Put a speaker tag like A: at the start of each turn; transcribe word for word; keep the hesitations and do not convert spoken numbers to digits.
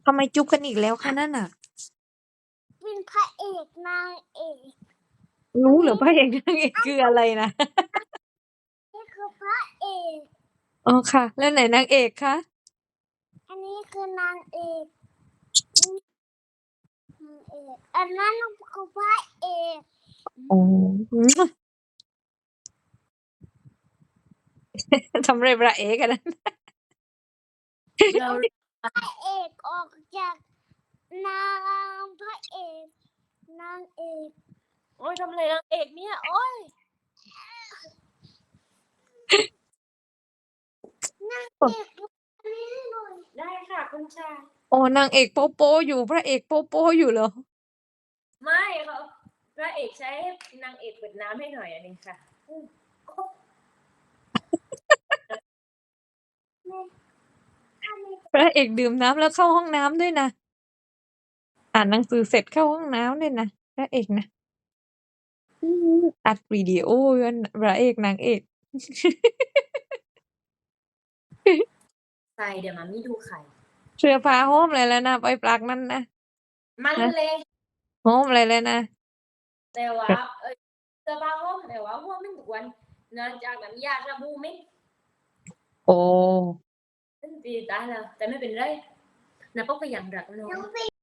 A: ทำไมจุ๊บกันอีกแล้วคะนั่นน่ะ
B: เป็นพระเอกนางเอก
A: รู้เหรอพระเอกนางเอกคืออะไรนะ
B: นี่คือพระเอก
A: อ๋อค่ะ แล้วไหนนางเอกคะ
B: อันนี้คือนางเอกนางเอกอันนั้นคือพระเอก
A: อ๋อทำไรพระเอกอันนั้น
C: เรา
B: พระเอกออกจากนางพระเอกนางเอก
C: โอ้ยทำอะไรนางเอกเนี่ยโอ้ย
B: นางเอกอันนี้หน่อย
C: ได้ค่ะคุณชาย
A: อ๋อนางเอกโป๊โป๊อยู่พระเอกโป๊โป๊อยู่เหรอ
C: ไม่เขาพระเอกใช้นางเอกเปิดน้ำให้หน่อยอันนี้ค่ะ
A: พระเอกดื่มน้ำแล้วเข้าห้องน้ำด้วยนะอ่านหนังสือเสร็จเข้าห้องน้ำด้วยนะพระเอกนะอัดวิดีโอกันพระเอกนางเอก
C: ใส่เดี๋ยวมามีดูไข่
A: เสื้อผ้าห้อมอะไรแล้วนะไปปลักนั่นนะ
C: มันเลย
A: ห้อมอะไรเลยนะ
C: แต่ว่าเออเสื้อผ้าห้อมแต่ว่าห้อมไม่ทุกวันเนื่องจากน้ำยาสบู่ไม่
A: โอ้
C: ตีตายแล้วแต่ไม่เป็นไรนะพวกก็ยังรักน้อง